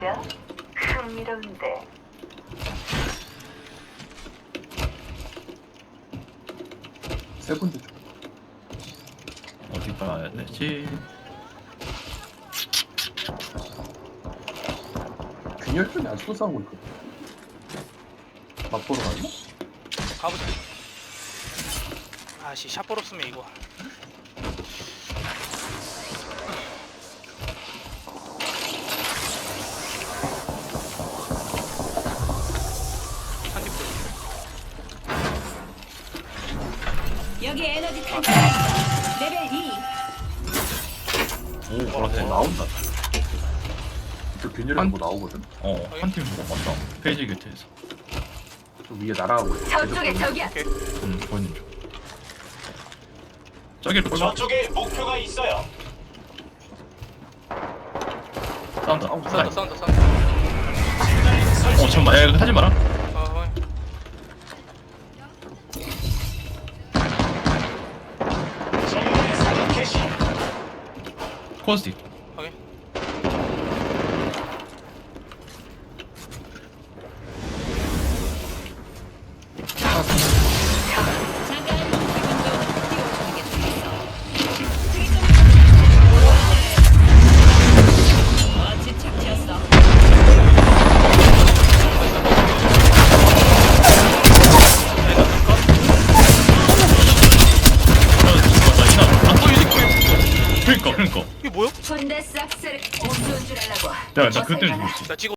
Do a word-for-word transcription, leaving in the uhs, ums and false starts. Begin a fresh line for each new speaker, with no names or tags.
야, 흥미로운데.
세 번째 쪽.
어디 가야 되지?
균열 쪽이 아직도 싸우고 있거든. 맛보러 갔나?
가보자. 아씨 샷볼 없으면 이거. 한입 더.
여기 에너지 탄창 레벨 이.
오, 보라색 나온다.
저 균열에 뭐 나오거든.
어, 한 팀 보고 봤다. 페이지 교체에서.
저 위에 날아가고 있어.
저쪽에 적이야.
오케이.
응, 보이는 중. 저기로 돌
저쪽에 목표가 있어요.
싸운다.
싸운다
싸운다.
싸운다 싸운다.
어, 잠깐만. 야, 이거 하지 마라.
어,
정면에 사격 캐시.
코스틱.
확인.
잠깐 기분 좋은 띄워주는 게 멋진 착지였어.
그러니까, 그러니까.
이게 뭐야?
군대 싹쓸이 없는 줄 알라고.
야, 나 그때는 죽었지.
나 지금